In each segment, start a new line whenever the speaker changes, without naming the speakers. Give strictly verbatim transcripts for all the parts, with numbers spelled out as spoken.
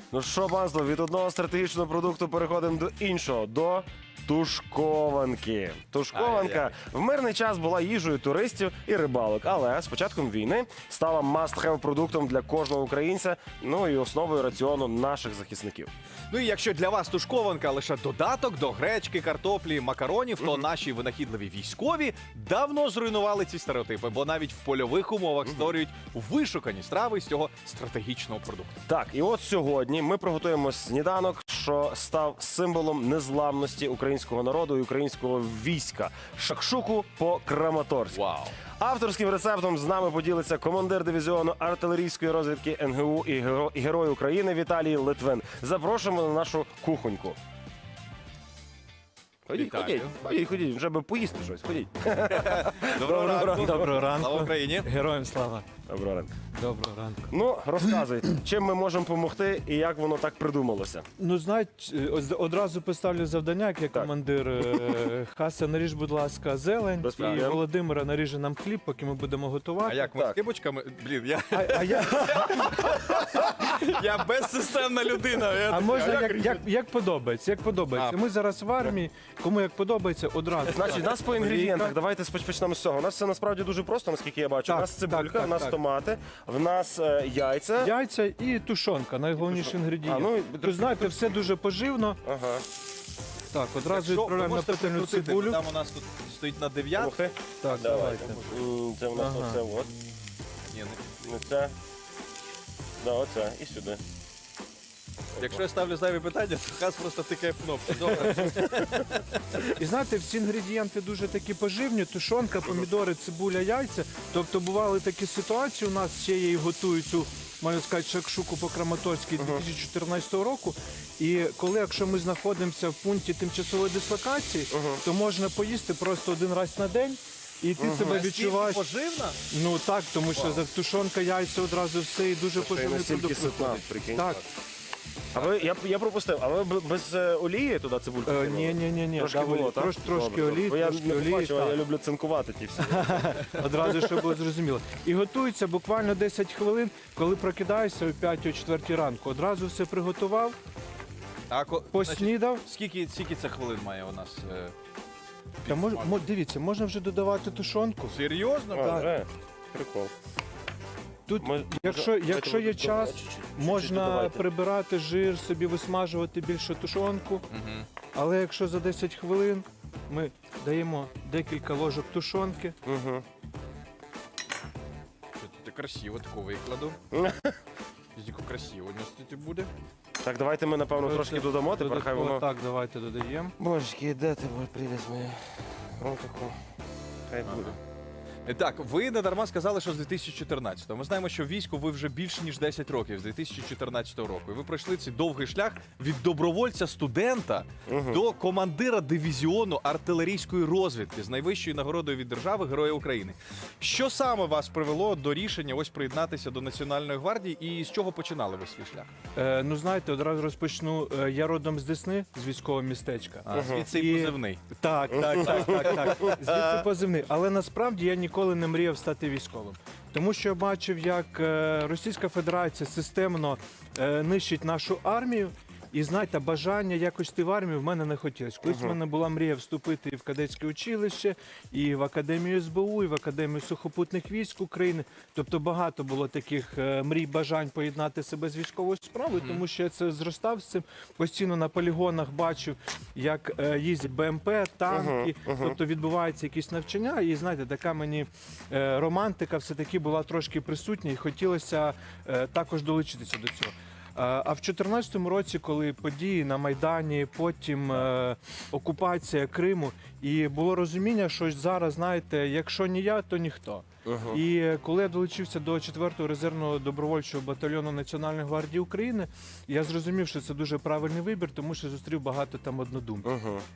Ну що, панство, від одного стратегічного продукту переходимо до іншого, до тушкованки. Тушкованка
Ай-яй.
в мирний час була їжею туристів і рибалок, але з початком війни стала must-have продуктом для кожного українця, ну і основою раціону наших захисників.
Ну і якщо для вас тушкованка лише додаток до гречки, картоплі, макаронів, то наші винахідливі військові давно зруйнували ці стереотипи, бо навіть в польових умовах створюють вишукані страви з цього стратегічного продукту.
Так, і от сьогодні ми приготуємо сніданок, що став символом незламності українського народу і українського війська – шакшуку по-краматорськи.
Вау!
Авторським рецептом з нами поділиться командир дивізіону артилерійської розвідки ен ге у і геро- і Герой України Віталій Литвин. Запрошуємо на нашу кухоньку. Ходіть,
Вітаю.
ходіть, ходіть, ходіть, вже би поїсти щось, ходіть.
Доброго ранку!
Доброго ранку.
Слава Україні!
Героям слава.
Доброго ранку.
Доброго ранку.
Ну, розказуй, чим ми можемо допомогти і як воно так придумалося?
Ну, знаєте, ось одразу поставлю завдання, як я
Так.
командир. е, Хаса, наріж, будь ласка, зелень.
Без
І
проблем.
Володимира наріже нам хліб, поки ми будемо готувати.
А як ми
Так.
з кибочками? Блін, я,
А, а, я,
я безсистемна людина. Я
а
такий,
можна
як
як,
різати?
як, як подобається, як подобається.
А.
Ми зараз в армії, кому як подобається, одразу.
Значить, нас по інгредієнтах, давайте споч- почнемо з цього. У нас все насправді дуже просто, наскільки я бачу.
Так,
у нас цибулька,
так, так,
у нас
так.
томати, в нас е, яйця.
Яйця і тушонка, найголовніший інгредієнт.
А, ну,
Ви знаєте, все дуже поживно.
Ага.
Так, одразу
Що, ви
відправляємо на
можете
пательню
підкрутити?
цибулю.
Там у нас тут стоїть на дев'ятку.
Слухай.
Так,
Давайте.
давайте.
М, Це у нас
Ага.
оце от.
Ні, не-
Ну, це. Да, оце. І сюди.
Якщо я ставлю зайві питання, то Хас просто тикає в кнопку. Добре.
І знаєте, всі інгредієнти дуже такі поживні: тушонка, помідори, цибуля, яйця. Тобто бували такі ситуації. У нас ще я і готую цю, можна сказати, шакшуку по-краматорськи дві тисячі чотирнадцятого року. І коли, якщо ми знаходимося в пункті тимчасової дислокації, то можна поїсти просто один раз на день. І ти себе відчуваєш.
Поживна?
Ну так, тому що за тушонка, яйця одразу все і дуже
Ще й
поживний
настільки
продукт
ситна,
виходить.
прикинь.
Так.
А ви, я, я пропустив, а ви б- без е, олії туди цибульку?
Е,
кинули?
ні, ні, ні, ні.
Трошки
Да,
було, так?
трош, трошки
Добре.
олії,
Бо я
трошки
не
олії.
побачив, а
так.
я люблю цинкувати ті всі.
Одразу, щоб було зрозуміло. І готується буквально десять хвилин, коли прокидаєшся о п'ятій четвертій ранку. Одразу все приготував,
А ко- значить,
поснідав.
скільки, скільки це хвилин має у нас? е,
Та мож,
підсмак?
мо- дивіться, можна вже додавати тушонку.
Серйозно?
А, вже? Прикол.
Тут,
Ми-
якщо,
може,
якщо
давайте
є
ви
час,
додавайте чуть-чуть, чуть-чуть
можна
додавайте.
прибирати жир, собі висмажувати більше тушонку.
Мгм.
Але якщо за десять хвилин ми даємо декілька ложок тушонки,
Мгм.
Це красиво таку викладу. Тільки красиво нести буде.
Так, давайте ми, напевно, трошки додамо, тепер хай
додатково-
воно...
так, давайте додаємо.
Божечки, де ти, прелість моя? Отаку. Хай буде.
І Так, ви не дарма сказали, що з дві тисячі чотирнадцятого. Ми знаємо, що в війську ви вже більше ніж десять років, з дві тисячі чотирнадцятого року. І ви пройшли цей довгий шлях від добровольця-студента до командира дивізіону артилерійської розвідки з найвищою нагородою від держави Героя України. Що саме вас привело до рішення ось приєднатися до Національної гвардії і з чого починали ви свій шлях?
Е, ну, знаєте, одразу розпочну. Е, я родом з Десни, з військового містечка.
А, звідси і
І-
позивний.
Так, так, так, так, так. Звідси позивний. Але насправді я ніколи не мріяв стати військовим. Тому що я бачив, як е, Російська Федерація системно е, нищить нашу армію. І знаєте, бажання якось йти в армію в мене не хотілося. Колись в мене була мрія вступити і в кадетське училище, і в Академію ес бе у, і в Академію сухопутних військ України. Тобто багато було таких е, мрій, бажань поєднати себе з військовою справою, тому що я це зростав з цим. Постійно на полігонах бачив, як е, їздять Б М П, танки, тобто відбуваються якісь навчання. І знаєте, така мені е, романтика все-таки була трошки присутня, і хотілося е, також долучитися до цього. А в дві тисячі чотирнадцятому році, коли події на Майдані, потім е, окупація Криму, і було розуміння, що зараз, знаєте, якщо не я, то ніхто. І коли я долучився до четвертого резервного добровольчого батальйону Національної гвардії України, я зрозумів, що це дуже правильний вибір, тому що зустрів багато там однодумців.
Мгм.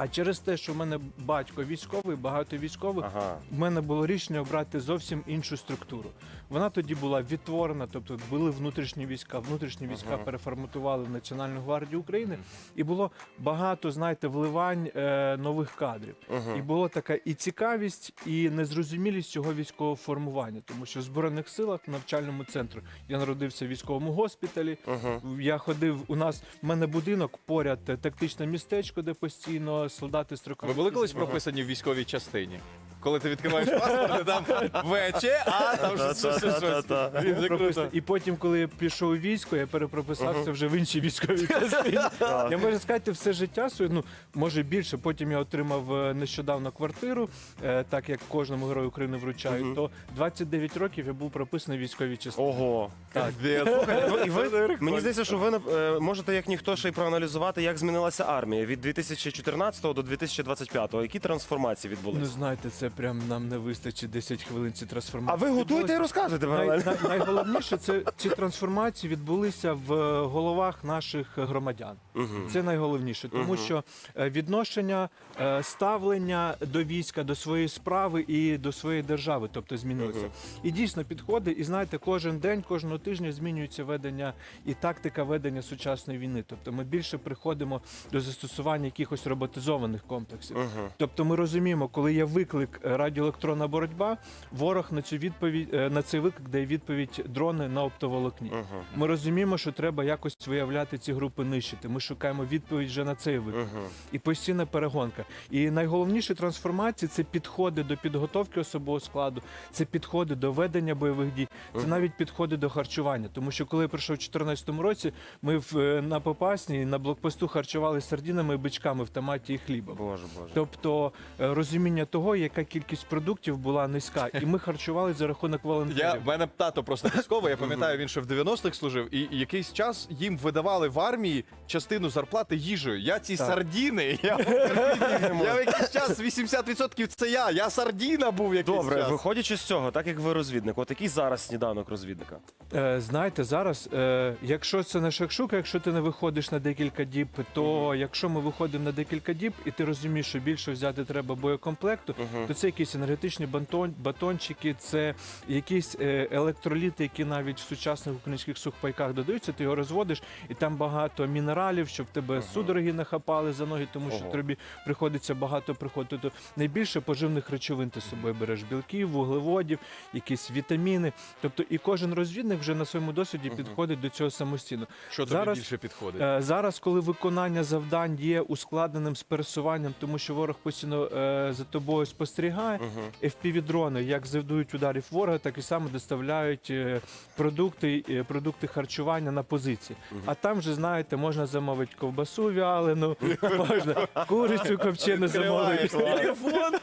А через те, що в мене батько військовий, багато військових,
Ага.
в мене було рішення обрати зовсім іншу структуру. Вона тоді була відтворена, тобто були внутрішні війська. Внутрішні війська
Ага.
переформатували в Національну гвардію України, і було багато, знаєте, вливань е, нових кадрів.
Ага.
І була така і цікавість, і незрозумілість цього військового формування, тому що в Збройних силах, в навчальному центру, я народився в військовому госпіталі.
Ага.
Я ходив, у нас в мене будинок поряд, е, тактичне містечко, де постійно солдати строкові.
Ви були колись прописані в військовій частині? Коли ти відкриваєш паспорт, і там ВЧ, а там щось, щось, щось, щось.
Та-та-та-та.
Блін, це круто.
І потім, коли я пішов у військо, я перепрописався вже в іншій військовій частині. Я можу сказати, все життя своє, ну може більше. Потім я отримав е, нещодавно квартиру, е, так як кожному герою України вручають.
Мгм.
То двадцять дев'ять років я був прописаний в військовій частині.
Ого.
Так.
Слухайте, ну, і ви, мені здається, що ви е, можете як ніхто ще й проаналізувати, як змінилася армія від дві тисячі чотирнадцятого до дві тисячі двадцять п'ятого. Які трансформації
Ну
відбулися?
знаєте, це прям нам не вистачить десять хвилин ці
А
трансформації.
ви готуєте і
Відбулося-
розказуєте
Най,
паралельно.
най, найголовніше, це ці трансформації відбулися в е, головах наших громадян.
Мгм.
Це найголовніше, тому
Мгм.
що е, відношення, е, ставлення до війська, до своєї справи і до своєї держави, тобто змінилося.
Мгм.
І дійсно підходить, і знаєте, кожен день, кожного тижня змінюється ведення і тактика ведення сучасної війни. Тобто ми більше приходимо до застосування якихось роботизованих комплексів.
Мгм.
Тобто ми розуміємо, коли є виклик е, радіоелектронна боротьба, ворог на цю відповідь е, на цей виклик дає відповідь дрони на оптоволокні.
Мгм.
Ми розуміємо, що треба якось виявляти ці групи нищити. Ми шукаємо відповідь вже на цей виклик.
Мгм.
І постійна перегонка. І найголовніші трансформації це підходи до підготовки особового складу, це підходи до ведення бойових дій, це
Мгм.
навіть підходи до харчування. Тому що коли я прийшов у дві тисячі чотирнадцятому році, ми в, е, на Попасній на блокпосту харчували сардінами і бичками в томаті і хлібом.
Боже, боже.
Тобто е, розуміння того, яка кількість продуктів була низька, і ми харчували за рахунок волонтерів.
Я, в мене тато просто військовий, я пам'ятаю, він ще в дев'яностих служив, і якийсь час їм видавали в армії частину зарплати їжею. Я ці
Так.
сардіни, я, я в якийсь час вісімдесят відсотків це я, я сардіна був якийсь
Добре,
час.
виходячи з цього, так як ви розвідник, от який зараз сніданок розвідника?
Е, знаєте, зараз, е, якщо це не шакшука, якщо ти не виходиш на декілька діб, то якщо ми виходимо на декілька діб, і ти розумієш, що більше взяти треба боєкомплекту,
Мгм.
то це якісь енергетичні бантон, батончики, це якісь е, електроліти, які навіть в сучасних українських сухпайках додаються, ти його розводиш, і там багато мінералів, щоб тебе
Ага.
судороги не хапали за ноги, тому що
Ого.
тобі приходиться багато приходити. Тобто найбільше поживних речовин ти з собою береш: білків, вуглеводів, якісь вітаміни. Тобто і кожен розвідник вже на своєму досвіді
Ага.
підходить до цього самостійно.
Що тобі
зараз-
більше підходить?
Е, Зараз, коли виконання завдань є ускладненим з пересуванням, тому що ворог постійно е, за тобою спостерігає,
Мгм.
еф пі ві-дрони, як завдають ударів ворога, так і саме доставляють е, продукти, е, продукти харчування на позиції.
Мгм.
А там же, знаєте, можна замовити ковбасу вялену, можна курицю копчену замовити.
Телефон,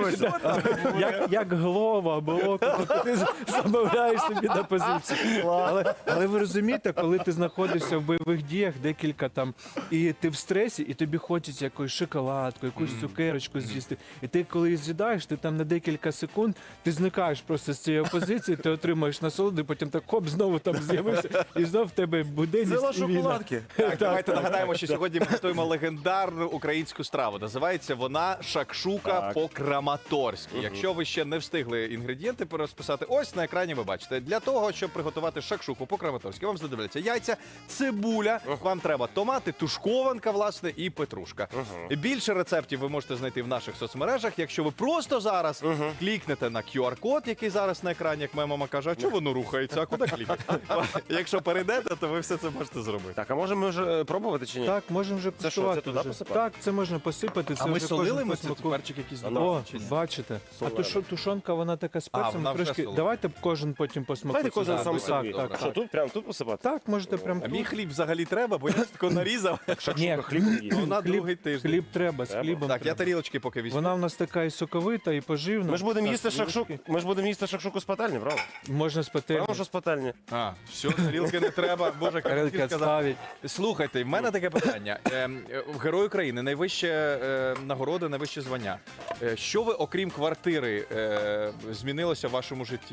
Як, як голова або око, тобто ти замовляєш собі на позиції. Але, але ви розумієте, коли ти знаходишся в бойових діях декілька там, і ти в стресі, і тобі хочеться якусь шоколадку, якусь цукерочку з'їсти. І ти коли її з'їдаєш, ти там на декілька секунд ти зникаєш просто з цієї позиції, ти отримуєш насолоду, і потім так хоп, знову там з'явився, і знов в тебе буденність
Сила
і війна.
шоколадки.
Так, давайте нагадаємо, що сьогодні ми готуємо легендарну українську страву. Називається вона шакшука
Так.
по-краматорськи.
Мгм.
Якщо ви ще не встигли інгредієнти перерозписати, ось на екрані ви бачите. Для того, щоб приготувати шакшуку по-краматорськи, вам знадобляться яйця, цибуля, вам треба томати, тушкованка, власне, і петрушка.
Мгм.
Більше рецептів ви можете знайти в наших соцмережах. Якщо ви просто зараз
Мгм.
клікнете на ку ар-код, який зараз на екрані, як моя мама каже, а чого воно рухається, а куди клікати? Якщо перейдете, то ви все це можете зробити.
Так, а можемо ми вже е, пробувати чи ні?
Так, можемо вже
Це що,
куштувати
це туди
вже.
посипати?
Так, це можна посипати. Це
А ми
вже
солили
кожен
ми
по
це
смаку.
перчик якийсь
А,
додали,
О,
чи ні?
бачите. А
Солена.
тушо- тушонка, вона така з
А,
перцем.
вона вже
Трошки.
солена.
Давайте кожен потім по смаку.
Давайте кожен
це
сам
зробить.
собі.
Так, так,
Що
так.
тут? Прямо тут посипати?
Так, можете прям
А
тут.
мій хліб взагалі треба, бо я тако нарізав.
Ні,
Хліб є.
Ну, на
хліб,
другий тиждень.
хліб треба, з
Треба?
хлібом
Так, я
треба.
тарілочки поки візьму.
Вона в нас така і соковита, і поживна.
Ми ж будемо
Так,
їсти
тарілочки.
шакшуку. Ми ж будемо їсти шакшуку з пательні, правда?
Можна з пательні.
Правда, що з пательні?
А, все, тарілки не треба. Боже,
Тарілки
як сказав.
відставить.
Слухайте, в мене таке питання. Ем, е, в Герой України найвище е, нагорода, найвище звання. Е, Що ви, окрім квартири, е, змінилося в вашому житті?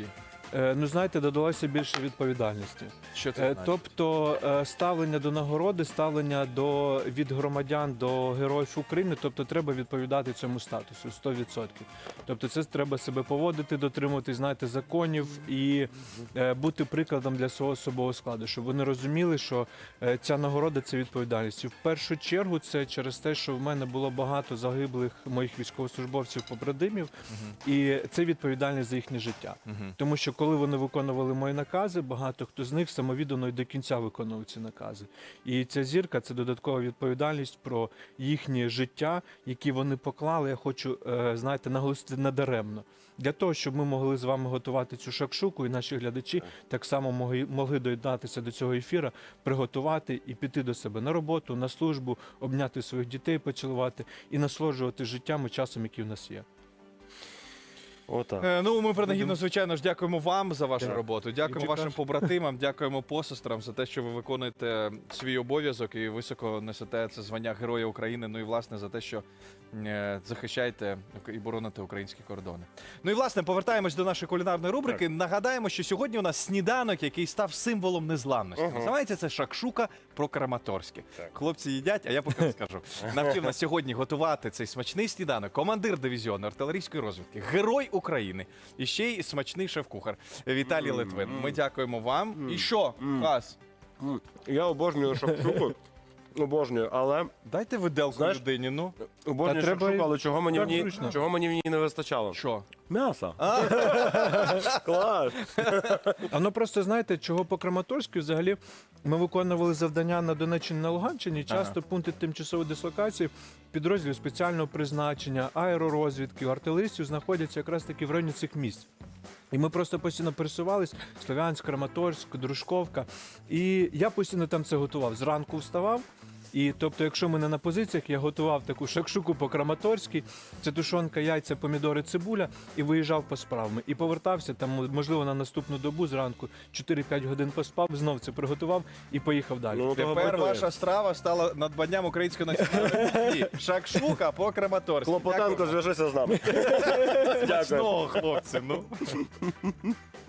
Е, Ну, знаєте, додалося більше відповідальності.
Що це
Е,
значить?
Тобто е, ставлення до нагороди, ставлення до від громадян до героїв України, тобто треба відповідати цьому статусу сто відсотків. Тобто це треба себе поводити, дотримуватись, знаєте, законів і е, бути прикладом для свого особового складу, щоб вони розуміли, що е, ця нагорода це відповідальність. І в першу чергу це через те, що в мене було багато загиблих моїх військовослужбовців побратимів, і це відповідальність за їхнє життя.
Мгм.
Тому що коли вони виконували мої накази, багато хто з них самовіддано і до кінця виконував ці накази. І ця зірка це додаткова відповідальність про їхнє життя, які вони поклали. Я хочу, е, знаєте, наголосити надаремно. Для того, щоб ми могли з вами готувати цю шакшуку, і наші глядачі так само могли, могли доєднатися до цього ефіра, приготувати і піти до себе на роботу, на службу, обняти своїх дітей, поцілувати і насолоджувати життям і часом, який в нас є.
Отак.
Е, Ну, ми принагідно, звичайно ж, дякуємо вам за вашу
Так.
роботу. Дякуємо
І
вашим
чекаш.
побратимам, дякуємо посестрам за те, що ви виконуєте свій обов'язок і високо несете це звання Героя України. Ну і власне за те, що е, захищаєте і бороните українські кордони. Ну і власне повертаємось до нашої кулінарної рубрики. Нагадаємо, що сьогодні у нас сніданок, який став символом незламності.
Ага.
Називається це шакшука по-краматорськи.
Так.
Хлопці їдять, а я поки скажу. Навчив нас сьогодні готувати цей смачний сніданок командир дивізіону артилерійської розвідки, герой України і ще й смачний шеф-кухар Віталій Литвин. Ми дякуємо вам. І що, Хас?
М, Я обожнюю шакшуку. Обожнюю, але
Дайте виделку
Знаєш,
людині, ну.
обожнюю
Та треба
шакшуку,
і-
але чого мені в
так
ній
зручно.
чого мені в ній не вистачало?
Що?
М'яса. Клас.
А ну просто знаєте, чого по Краматорську взагалі ми виконували завдання на Донеччині, на Луганщині. Часто пункти тимчасової дислокації підрозділів спеціального призначення, аеророзвідки, артилеристів знаходяться якраз таки в районі цих місць. І ми просто постійно пересувались: Слов'янськ, Краматорськ, Дружковка. І я постійно там це готував. Зранку вставав. І тобто, якщо ми не на позиціях, я готував таку шакшуку по-краматорськи, це тушонка, яйця, помідори, цибуля, і виїжджав по справам. І повертався там, можливо, на наступну добу зранку, чотири-п'ять годин поспав, знов це приготував і поїхав далі.
Ну, того
Тепер
готує.
ваша страва стала надбанням української національної кухні. Шакшука по краматорськи.
Клопотенко, зв'яжися з нами. Дякую.
Смачного, хлопці, ну.